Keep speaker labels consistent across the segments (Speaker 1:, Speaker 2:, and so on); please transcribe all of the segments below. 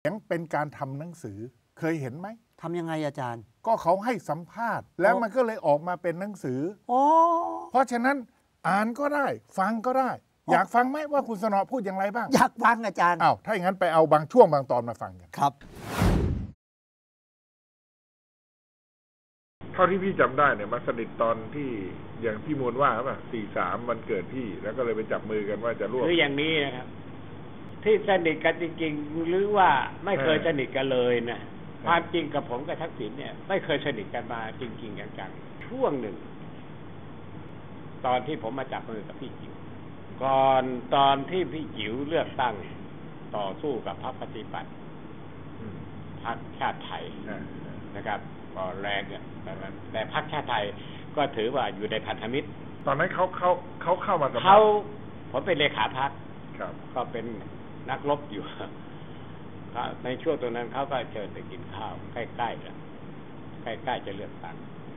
Speaker 1: เป็นการทำหนังสือเคยเห็นไหม
Speaker 2: ทำยังไงอาจารย์
Speaker 1: ก็เขาให้สัมภาษณ์แล้วมันก็เลยออกมาเป็นหนังสือเพราะฉะนั้นอ่านก็ได้ฟังก็ได้อยากฟังไหมว่าคุณสนอพูดอย่างไรบ้าง
Speaker 2: อยากฟังอาจารย์
Speaker 1: ถ้าอย่างนั้นไปเอาบางช่วงบางตอนมาฟังกัน
Speaker 2: ครับ
Speaker 1: เท่าที่พี่จำได้เนี่ยมาสนิทตอนที่อย่างพี่มวลว่าป่ะ43วันเกิดพี่แล้วก็เลยไปจับมือกันว่าจะร่วม
Speaker 3: คืออย่างนี้นะครับที่สนิทกันจริงๆหรือว่าไม่เคยสนิทกันเลยนะความจริงกับผมกับทักษิณเนี่ยไม่เคยสนิทกันมาจริงๆจังๆช่วงหนึ่งตอนที่ผมมาจับมือกับพี่จิ๋วก่อนตอนที่พี่จิ๋วเลือกตั้งต่อสู้กับพรรคปฏิปัติพรรคชาติไทยนะครับก็แรงเนี่ยแต่พรรคชาติไทยก็ถือว่าอยู่ในพันธมิตร
Speaker 1: ตอนนั้นเขาเข้ามาสัมภาษณ์
Speaker 3: ผมเป็นเลขาพรรคก็เป็นนักรบอยู่ในช่วงตรงนั้นเขาก็เชิญไปกินข้าวใกล้ๆแล้วใกล้ๆจะเลือกตั้ง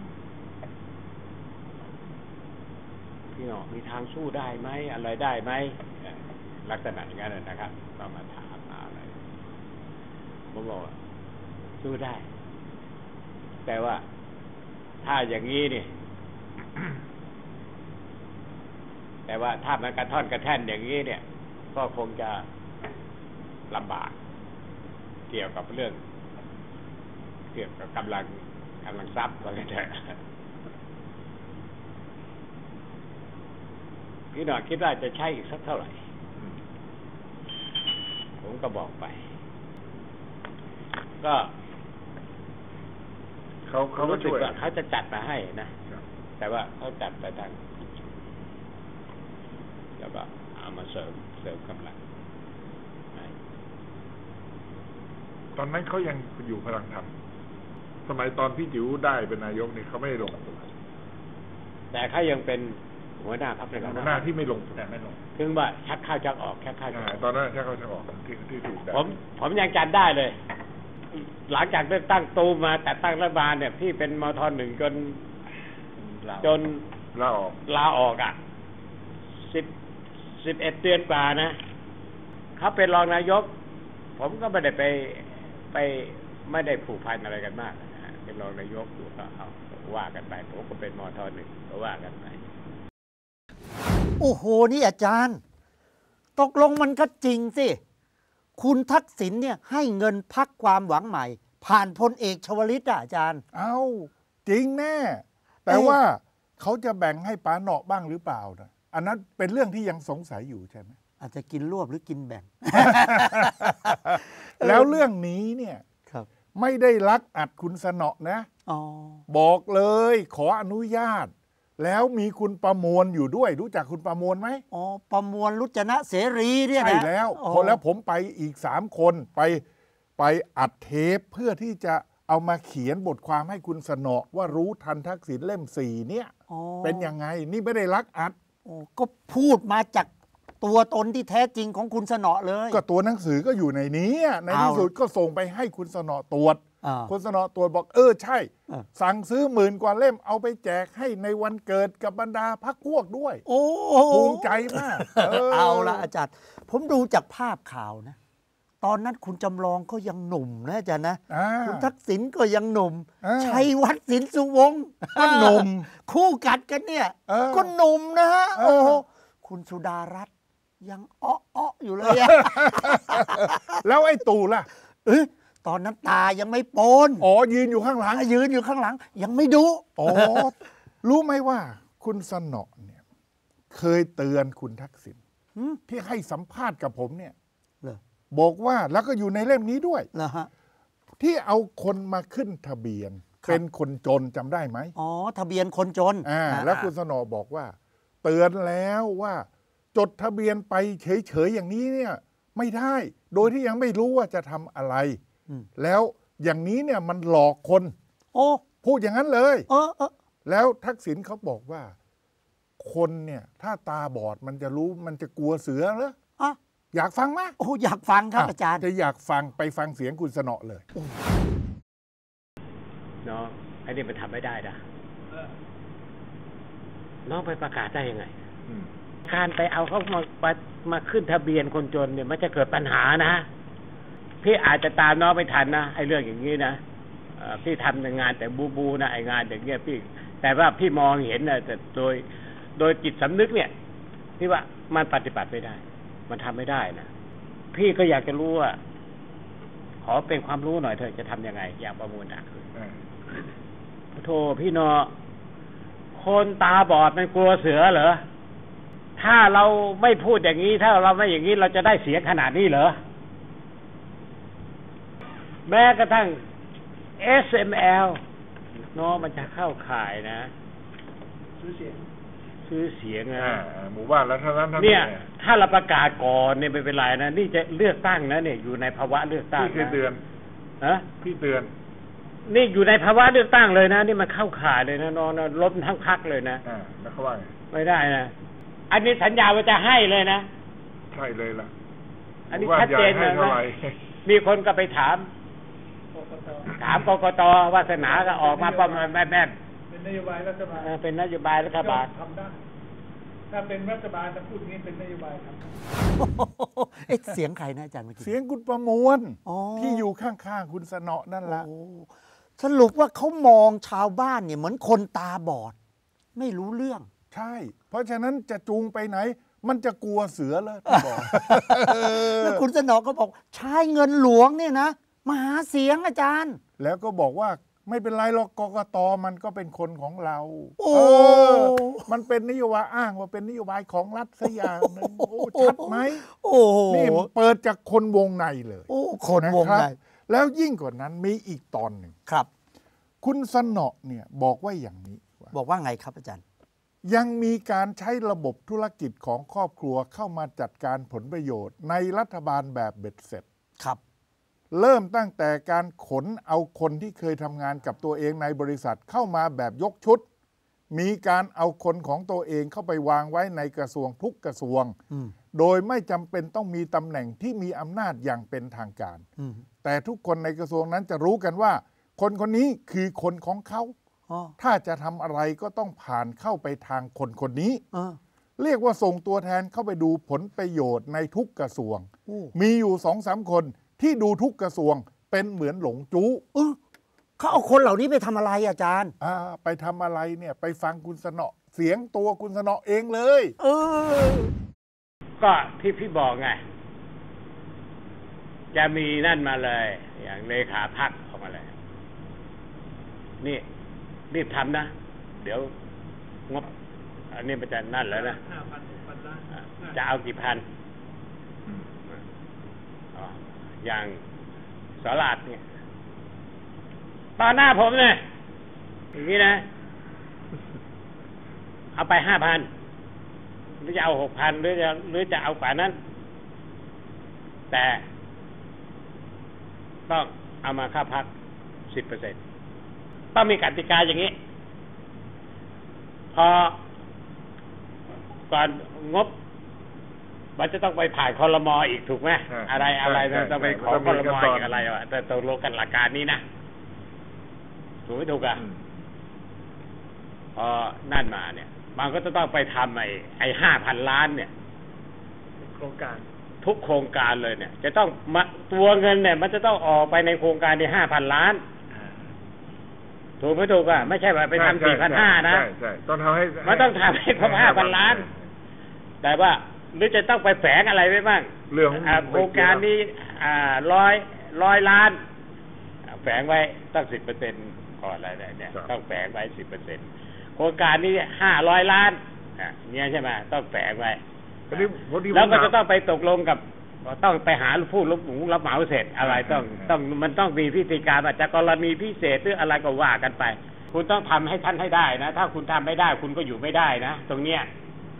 Speaker 3: พี่น้องมีทางสู้ได้ไหมอะไรได้ไหมลักษณะอย่างนั้นนะครับก็มาถามมาอะไรผมบอกสู้ได้แต่ว่าถ้าอย่างนี้นี่ แต่ว่าถ้ามันกระท่อนกระแท่นอย่างนี้เนี่ยก็คงจะลำบากเกี่ยวกับเรื่องเกี่ยวกับกำลังทรัพย์ก็ได้พี่หน่อยคิดว่าจะใช้อีกสักเท่าไหร่ผมก็บอกไปก็เขารู้สึกว่าเขาจะจัดมาให้นะแต่ว่าเขาจัดไปทางแล้วก็เอามาเสริมกำลัง
Speaker 1: ตอนนั้นเขายังอยู่พลังธรรมสมัยตอนพี่จิ๋วได้เป็นนายกนี่เขาไม่ได้ลง
Speaker 3: แต่เขายังเป็นหัวหน้าพรรคเป็น
Speaker 1: หัวหน้าที่ไม่ลงแต่ไม่ลง
Speaker 3: ถึงว่าชักเข้าชักออกชักเข้า
Speaker 1: ตอนนั้นชักเข้าชักออกที่ถูกได้
Speaker 3: ผมยังจำได้เลยหลังจากได้ตั้งตูมาแต่ตั้งรัฐบาลเนี่ยพี่เป็นมท.1จนลาออกอ่ะ11 เดือนกว่านะเขาเป็นรองนายกผมก็ไม่ได้ไปไม่ได้ผูกพันอะไรกันมากนะเป็นรองนายกอยู่ก็เอาว่ากันไปผมก็เป็นมท.1ก็ว่ากันไป
Speaker 2: โอ้โหนี่อาจารย์ตกลงมันก็จริงสิคุณทักษิณเนี่ยให้เงินพรรคความหวังใหม่ผ่านพลเอกชวลิตอาจารย์
Speaker 1: จริงแน่แต่ว่าเขาจะแบ่งให้ป๋าเหนาะบ้างหรือเปล่านะอันนั้นเป็นเรื่องที่ยังสงสัยอยู่ใช่ไหม
Speaker 2: อาจจะกินรวบหรือกินแบ่ง
Speaker 1: แล้วเรื่องนี้เนี่ยไม่ได้ลักอัดคุณสนอนะบอกเลยขออนุญาตแล้วมีคุณประมวลอยู่ด้วยรู้จักคุณประมวลไหม
Speaker 2: ประมวลรุจนะเสรีเนี่ยนะ
Speaker 1: ใช่แล้วแล้วผมไปอีก3 คนไปอัดเทปเพื่อที่จะเอามาเขียนบทความให้คุณสนอว่ารู้ทันทักษิณเล่ม4เนี่ยเป็นยังไงนี่ไม่ได้ลักอัด
Speaker 2: ก็พูดมาจากตัวตนที่แท้จริงของคุณสนอเลย
Speaker 1: ก็ตัวหนังสือก็อยู่ในนี้ในที่สุดก็ส่งไปให้คุณสนอตรวจคุณสนอตรวจบอกใช่สั่งซื้อ10,000 กว่าเล่มเอาไปแจกให้ในวันเกิดกับบรรดาพรรคพวกด้วยภูมิใจมาก
Speaker 2: เอาละอาจารย์ผมดูจากภาพข่าวนะตอนนั้นคุณจำลองก็ยังหนุ่มนะอาจารย์นะคุณทักษิณก็ยังหนุ่มชัยวัฒน์สินสุวงศ์
Speaker 1: ก็หนุ่ม
Speaker 2: คู่กัดกันเนี่ยก็หนุ่มนะฮะโอ้คุณสุดารัตน์ยังอ้ออยู่เลย
Speaker 1: แล้วไอ้ตู่ล่ะ
Speaker 2: ตอนนั้นตายังไม่โปน
Speaker 1: ยืนอยู่ข้างหลัง
Speaker 2: ยังไม่ดู
Speaker 1: รู้ไหมว่าคุณสนอเนี่ยเคยเตือนคุณทักษิณที่ให้สัมภาษณ์กับผมเนี่ยบอกว่าแล้วก็อยู่ในเล่มนี้ด้วยที่เอาคนมาขึ้นทะเบียนเป็นคนจนจำได้ไหม
Speaker 2: ทะเบียนคนจน
Speaker 1: แล้วคุณสนอบอกว่าเตือนแล้วว่าจดทะเบียนไปเฉยๆอย่างนี้เนี่ยไม่ได้โดยที่ยังไม่รู้ว่าจะทำอะไรแล้วอย่างนี้เนี่ยมันหลอกคนพูดอย่างนั้นเลยแล้วทักษิณเขาบอกว่าคนเนี่ยถ้าตาบอดมันจะรู้มันจะกลัวเสือเหรออยากฟังไหม
Speaker 2: อยากฟังครับอาจารย์
Speaker 1: จะอยากฟังไปฟังเสียงคุณสนอเลย
Speaker 3: น้องไอ้นี่มันทำไม่ได้นะน้องไปประกาศได้ยังไงการไปเอาเขามาขึ้นทะเบียนคนจนเนี่ยมันจะเกิดปัญหานะพี่อาจจะตามน้องไม่ทันนะไอ้เรื่องอย่างนี้นะพี่ทำงานแต่บูนะไอ้งานอย่างเงี้ยพี่แต่ว่าพี่มองเห็นนะแต่โดยจิตสำนึกเนี่ยพี่ว่ามันปฏิบัติไม่ได้มันทำไม่ได้นะพี่ก็อยากจะรู้ว่าขอเป็นความรู้หน่อยเถอะจะทำยังไงอย่างประมูลอ่ะโธ่พี่นอคนตาบอดมันกลัวเสือเหรอถ้าเราไม่พูดอย่างนี้ถ้าเราไม่อย่างนี้เราจะได้เสียงขนาดนี้เหรอแม้กระทั่ง SML น้องมันจะเข้าข่ายนะซื้อเสียงนะ
Speaker 1: หมู่บ้านแล้วเท่านั้น
Speaker 3: เนี่ยถ้าเราประกาศก่อนเนี่ยไม่เป็นไรนะนี่จะเลือกตั้งนะเนี่ยอยู่ในภาวะเลือกตั้ง
Speaker 1: พี่เตือนพี่เตือน
Speaker 3: นี่อยู่ในภาวะเลือกตั้งเลยนะนี่มันเข้าข่ายเลยนะน้องนะล้มทั้งพรรคเลยนะ
Speaker 1: แล้วเขาว่า
Speaker 3: ไม่ได้นะอันนี้สัญญาว่าจะให้เลยนะ
Speaker 1: ใช่เลยล่ะ
Speaker 3: อันนี้ชัดเจนเลยนะมีคนก็ไปถามกกต.วาสนาก็ออกมาประมาณแม่
Speaker 4: เป็นนโยบายรัฐบาล
Speaker 3: เป็นนโยบายรัฐบาล
Speaker 4: ทำได้ถ้าเป็นรัฐบาลจะพูดนี้เป็นนโยบายท
Speaker 2: ำเสียงใครนะอาจารย์เมื่อกี้
Speaker 1: เสียงคุณประมวลที่อยู่ข้างๆคุณสนอนั่นแหละ
Speaker 2: สรุปว่าเขามองชาวบ้านเนี่ยเหมือนคนตาบอดไม่รู้เรื่อง
Speaker 1: ใช่เพราะฉะนั้นจะจูงไปไหนมันจะกลัวเสือเลยบอก
Speaker 2: แล้วคุณสนอก็บอกใช้เงินหลวงเนี่ยนะมาหาเสียงอาจารย์
Speaker 1: แล้วก็บอกว่าไม่เป็นไรหรอกกกต.มันก็เป็นคนของเรามันเป็นนโยบายอ้างว่าเป็นนโยบายของรัฐซะอย่างนึงชัดไหมนี่เปิดจากคนวงในเลย
Speaker 2: คนวงใน
Speaker 1: แล้วยิ่งกว่านั้นมีอีกตอนหนึ่ง
Speaker 2: ครับ
Speaker 1: คุณสนอเนี่ยบอกว่าอย่างนี้
Speaker 2: บอกว่าไงครับอาจารย์
Speaker 1: ยังมีการใช้ระบบธุรกิจของครอบครัวเข้ามาจัดการผลประโยชน์ในรัฐบาลแบบเบ็ดเสร็จ
Speaker 2: ครับ
Speaker 1: เริ่มตั้งแต่การขนเอาคนที่เคยทำงานกับตัวเองในบริษัทเข้ามาแบบยกชุดมีการเอาคนของตัวเองเข้าไปวางไว้ในกระทรวงทุกกระทรวงโดยไม่จำเป็นต้องมีตำแหน่งที่มีอำนาจอย่างเป็นทางการแต่ทุกคนในกระทรวงนั้นจะรู้กันว่าคนคนนี้คือคนของเขาถ้าจะทำอะไรก็ต้องผ่านเข้าไปทางคนคนนี้เรียกว่าส่งตัวแทนเข้าไปดูผลประโยชน์ในทุกกระทรวงมีอยู่ 2-3 คนที่ดูทุกกระทรวงเป็นเหมือนหลงจู้
Speaker 2: เขาเอาคนเหล่านี้ไปทำอะไรอาจารย์
Speaker 1: ไปทำอะไรเนี่ยไปฟังคุณสนอเสียงตัวคุณสนอเองเลย
Speaker 3: ก็ที่พี่บอกไงจะมีนั่นมาเลยอย่างเลขาพรรคออกมาเลยนี่รีบทำนะเดี๋ยวงบอันนี้มันจะนั่นแล้วนะจะเอากี่พันอย่างสลาดเนี่ยตอนหน้าผมเนี่ยอย่างนี้นะเอาไป 5,000 หรือจะเอา 6,000 หรือจะเอากว่านั้นแต่ต้องเอามาค่าพัก 10% ต้องมีกติกาอย่างนี้พอก่อนงบมันจะต้องไปผ่านครม.อีกถูกไหมอะไรต้องไปขอครม.อีกอะไรแต่ตกลงกันหลักการนี้นะถูกไม่ถูกอ่ะพอนั่นมาเนี่ยมันก็จะต้องไปทำไอ้ 5,000 ล้านเนี่ย
Speaker 4: โครงการ
Speaker 3: ทุกโครงการเลยเนี่ยจะต้องตัวเงินเนี่ยมันจะต้องออกไปในโครงการที่ 5,000 ล้านถูกไม่ถูกอ่ะไม่ใช่ว่าไปทำ 4,500 นะ
Speaker 1: ใช่ต้องทำให้
Speaker 3: มันต้องทำให้ครบ 5,000 ล้านแต่ว่าหรือจะต้องไปแฝงอะไรไว้บ้าง
Speaker 1: เรื่อง
Speaker 3: โครงการนี้100 ล้านแฝงไว้ตั้ง 10% ก่อนอะไรเนี่ยต้องแฝงไว้ 10% โครงการนี้500 ล้านเนี่ยใช่ไหมต้องแฝงไว้แล้วก็จะต้องไปตกลงกับต้องไปหาผู้รับเหมาเสร็จอะไรต้องมันต้องมีพิธีการอาจจะกรณีพิเศษหรืออะไรก็ว่ากันไปคุณต้องทำให้ท่านให้ได้นะถ้าคุณทำไม่ได้คุณก็อยู่ไม่ได้นะตรงเนี้ย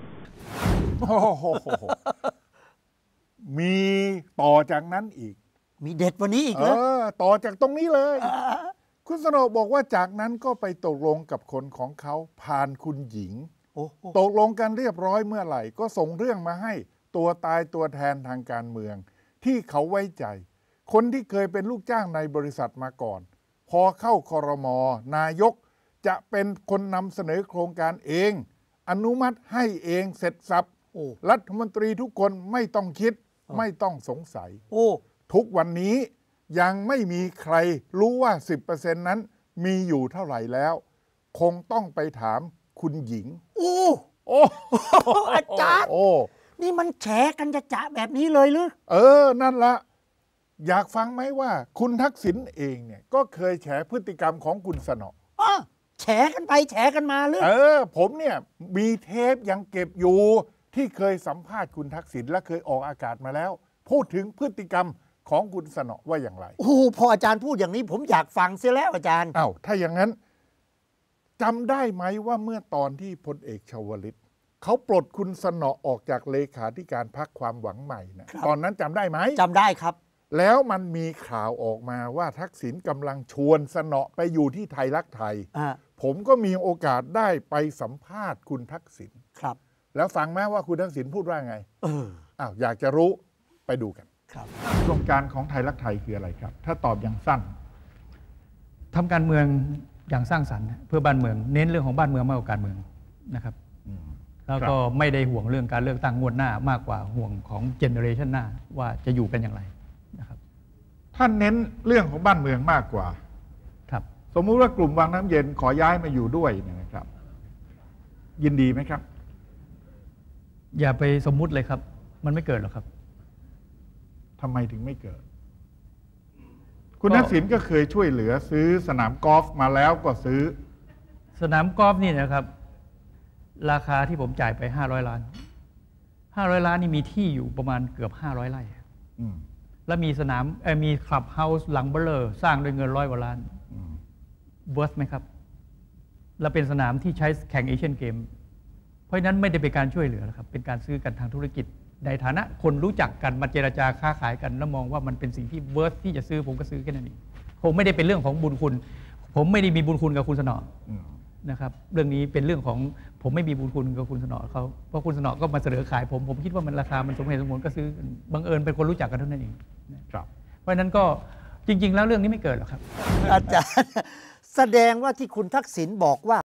Speaker 1: มีต่อจากนั้นอีก
Speaker 2: มีเด็ดวันนี้อีกเหรอ
Speaker 1: ต่อจากตรงนี้เลยคุณสนอบอกว่าจากนั้นก็ไปตกลงกับคนของเขาผ่านคุณหญิงตกลงกันเรียบร้อยเมื่อไหร่ก็ส่งเรื่องมาให้ตัวตายตัวแทนทางการเมืองที่เขาไว้ใจคนที่เคยเป็นลูกจ้างในบริษัทมาก่อนพอเข้าครม.นายกจะเป็นคนนำเสนอโครงการเองอนุมัติให้เองเสร็จสับรัฐมนตรีทุกคนไม่ต้องคิดไม่ต้องสงสัยทุกวันนี้ยังไม่มีใครรู้ว่า 10% นั้นมีอยู่เท่าไหร่แล้ว คงต้องไปถามคุณหญิง
Speaker 2: โอ้
Speaker 1: โอ้
Speaker 2: อาจารย์
Speaker 1: โอ้
Speaker 2: นี่มันแฉกันจะแบบนี้เลยหรือ
Speaker 1: นั่นละอยากฟังไหมว่าคุณทักษิณเองเนี่ยก็เคยแฉพฤติกรรมของคุณสนอ
Speaker 2: แฉกันไปแฉกันมาหรือ
Speaker 1: ผมเนี่ยมีเทปยังเก็บอยู่ที่เคยสัมภาษณ์คุณทักษิณและเคยออกอากาศมาแล้ว พูดถึงพฤติกรรมของคุณสนอว่าอย่างไร
Speaker 2: โอ้พออาจารย์พูดอย่างนี้ผมอยากฟังเสียแล้วอาจารย์
Speaker 1: ถ้าอย่างนั้นจำได้ไหมว่าเมื่อตอนที่พลเอกชวลิตเขาปลดคุณสนอออกจากเลขาธิการพรรคความหวังใหม่นะตอนนั้นจำได้ไหม
Speaker 2: จำได้ครับ
Speaker 1: แล้วมันมีข่าวออกมาว่าทักษิณกำลังชวนสนอไปอยู่ที่ไทยรักไทย ผมก็มีโอกาสได้ไปสัมภาษณ์คุณทักษิณ
Speaker 2: ครับ
Speaker 1: แล้วฟังไหมว่าคุณทักษิณพูดว่าไงอยากจะรู้ไปดูกัน
Speaker 2: ครับ
Speaker 1: โครงการของไทยรักไทยคืออะไรครับ ถ้าตอบอย่างสั้น
Speaker 5: ทำการเมืองอย่างสร้างสรรค์เพื่อบ้านเมืองเน้นเรื่องของบ้านเมืองมากกว่าการเมืองนะครับแล้วก็ไม่ได้ห่วงเรื่องการเลือกตั้งงวดหน้ามากกว่าห่วงของเจเนอเรชันหน้าว่าจะอยู่กันอย่างไรนะครับ
Speaker 1: ท่านเน้นเรื่องของบ้านเมืองมากกว่า
Speaker 5: ครับ
Speaker 1: สมมุติว่ากลุ่มวังน้ำเย็นขอย้ายมาอยู่ด้วยเนี่ยนะครับ ยินดีไหมครับ
Speaker 5: อย่าไปสมมุติเลยครับ มันไม่เกิดหรอกครับ
Speaker 1: ทำไมถึงไม่เกิด คุณทักษิณก็เคยช่วยเหลือซื้อสนามกอล์ฟมาแล้วก็ซื้อ
Speaker 5: สนามกอล์ฟนี่นะครับราคาที่ผมจ่ายไป500 ล้าน500 ล้านนี่มีที่อยู่ประมาณเกือบ500 ไร่แล้วมีสนามมีคลับเฮาส์หลังเบลอสร้างด้วยเงิน100 กว่าล้านเวิร์ธไหมครับแล้วเป็นสนามที่ใช้แข่งเอเชียนเกมเพราะฉะนั้นไม่ได้เป็นการช่วยเหลือนะครับเป็นการซื้อกันทางธุรกิจในฐานะคนรู้จักกันมาเจรจาค้าขายกันแล้วมองว่ามันเป็นสิ่งที่เวิร์ธที่จะซื้อผมก็ซื้อแค่นั้นเองคงไม่ได้เป็นเรื่องของบุญคุณผมไม่ได้มีบุญคุณกับคุณสนอนะครับเรื่องนี้เป็นเรื่องของผมไม่มีบุญคุณกับคุณสนอเขาเพราะคุณสนอก็มาเสนอขายผมคิดว่ามันราคามันสมเหตุสมผลก็ซื้อบังเอิญเป็นคนรู้จักกันเท่านั้นเองเพราะฉะนั้นก็จริงๆแล้วเรื่องนี้ไม่เกิดหรอกครับ
Speaker 2: อาจารย์แสดงว่าที่คุณทักษิณบอกว่า